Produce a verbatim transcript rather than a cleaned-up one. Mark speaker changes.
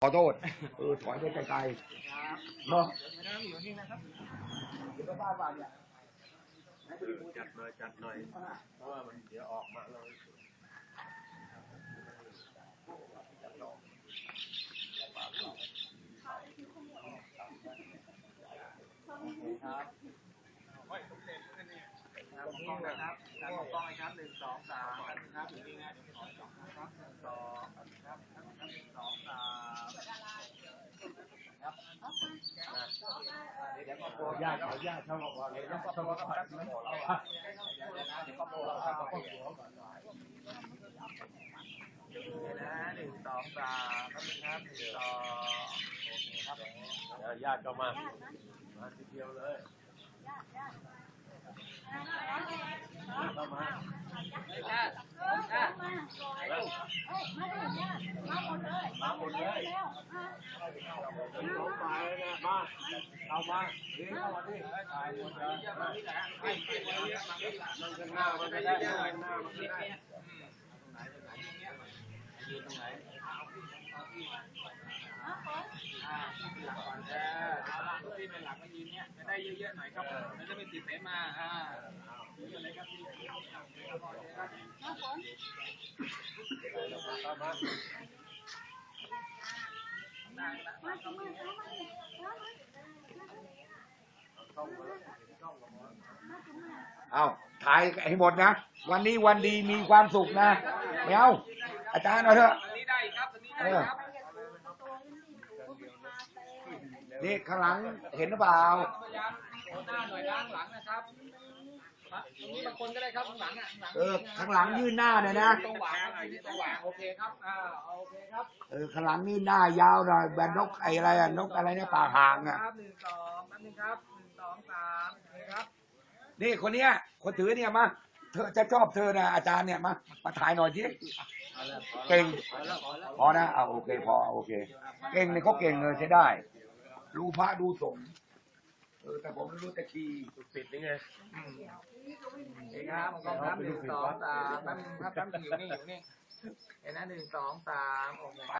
Speaker 1: ขอโทษเออถอยไปไกลๆเนาะอยู่นี่นะครับเดี๋ยวบ้านบ้านเนี่ยจัดหน่อยจัดหน่อยเพราะว่ามันเดี๋ยวออกมาเลยครับครับมองกล้องนะครับการมองกล้องนะครับหนึ่งสองสามครับอยู่นี่นะครับหนึ่งสองครับหนึ่งสองสามครับเดี๋ยวก็โปรญาติเขาญาติเขาบอกว่าเลยญาติเขาบอกว่าเดี๋ยวก็โปรเขาบอกนะหนึ่งสองสามครับหนึ่งสองโอเคครับญาติก็มามาทีเดียวเลยเข้ามาญาติญาติมาหมดเลยมาหมดเลยเอาไปนะมาเอามาดีเข้ามาดิถ่ายหมดเลยมาที่ไหนให้ที่ไหนมาที่หลังนั่งข้างหน้ามันจะได้นั่งข้างหน้ามันจะได้อยู่ตรงไหนเอาที่เอาที่มาอ่าที่หลักก่อนเออเอาละที่เป็นหลักก็ยืนเนี้ยจะได้เยอะๆหน่อยครับมันจะไม่ติดเสมาอ่าเยอะเลยครับพี่เอาถ่ายให้หมดนะวันนี้วันดีมีความสุขนะไม่เอาอาจารย์เอาเถอะนี่ข้างหลังเห็นหรือเปล่าหน้าหน่อยด้านหลังนะครับตรงนี้บางคนก็ได้ครับข้างหลังอ่ะเออข้างหลังยื่นหน้าหน่อยนะตรงหวางตรงหวางโอเคครับอ่าโอเคครับเออข้างหลังยื่นหน้ายาวหน่อยแบบนกไออะไรอ่ะนกอะไรเนี่ยปากห่างอ่ะครับหนึ่งสองแป๊บนึงครับหนึ่งสองสามนี่ครับนี่คนเนี้ยคนถือเนี่ยมาเธอจะชอบเธอนะอาจารย์เนี่ยมามาถ่ายหน่อยสิเก่งพอนะเอาโอเคพอโอเคเก่งเนี่ยเขาเก่งเลยใช้ได้รู้พระดูสงฆ์เออแต่ผมไม่รู้แต่คีย์ปิดนี่ไงเองครับกองทัพหนึ่งสองสามแป๊บนึงครับแป๊บนึงอยู่นี่อยู่นี่เห็นนะหนึ่งสองสามโอเค